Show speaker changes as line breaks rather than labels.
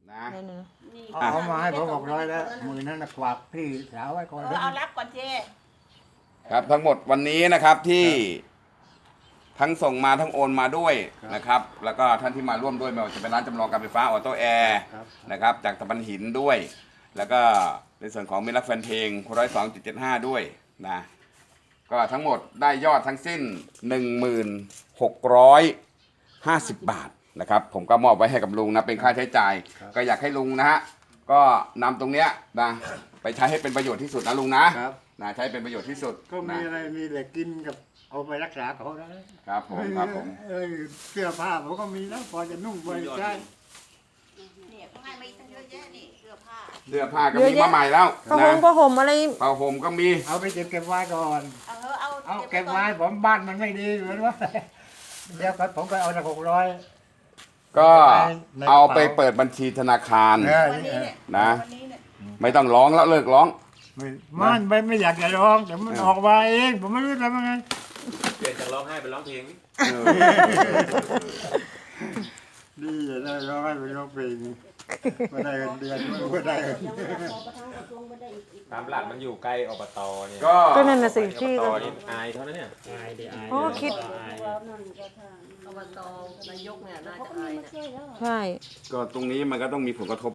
นะ
นั่นน่ะ
นี่
เอามาให้ผม600แล้วมือนั้นกวาดพี่สาวไว้ก่อน
เอารับก่อนเจ
ครับทั้งหมดวันนี้นะครับที่ทั้งส่งมาทั้งโอนมาด้วยนะครับ แล้วก็ท่านที่มาร่วมด้วยไม่ว่าจะเป็นร้านจำลองการไฟฟ้าออโต้แอร์นะครับจากตะบันหินด้วย แล้วก็ในส่วนของมิตรรักแฟนเพลง102.75ด้วยนะก็ทั้งหมดได้ยอดทั้งสิ้น 1650 บาทนะครับผมก็มอบไว้ให้กับลุงนะเป็นค่าใช้จ่าย ก็อยากให้ลุงนะฮะก็นำตรงเนี้ยนะไปใช้ให้เป็นประโยชน์ที่สุดนะลุงนะครับ นะใช้เป็นประโยชน์ที่สุด
ก็มี
นะ
อะไรมีเหล็กกินกับเอาไปรักษาเขานะครับ
ผมครับผม
เสื้อผ้าผมก็มีแล้วพอจะนุ่งไปใช้
เนี่ยเขาให้มาตั้งเยอะแยะนี่เสื้อผ้า
เสื้อผ้าก็มีมาใหม่แล้ว
ผ้า
นะ
ห่มอะไร
ผ้าห่มก็มี
เอาไปเก็บไว้ก่อน
เอา
เก็บไว้ผมบ้านมันไม่ดีเหมือนว่าเดี๋ยวผมก็เอาจาก600
ก็เอาไปเปิดบัญชีธนาคาร
วันนี้เนี่ย
นะ
วันนี้เนี่ย
ไม่ต้องร้องแล้วเลิกร้อง
ไม่อยากจะร้องแต่มันออกมาเองผมไม่รู้ทำยังไง
เปลี่ยนจากร้องไห้เป็นร้องเพลงนี่
ดีได้ร้องให้ไปร้องเพลงมาได้เงินเดือนมาได้เงิน
ตามหลักมันอยู่ใกล้อบตเนี่ย
ก็
ก็นั่นน่ะสิที่
อบตนี่อายเท่านั้นเนี่ย
อ๋อคิด
อบตนายกเนี่ยน่าจะอายนะ
ใช่
ก็ตรงนี้มันก็ต้องมีผลกระทบ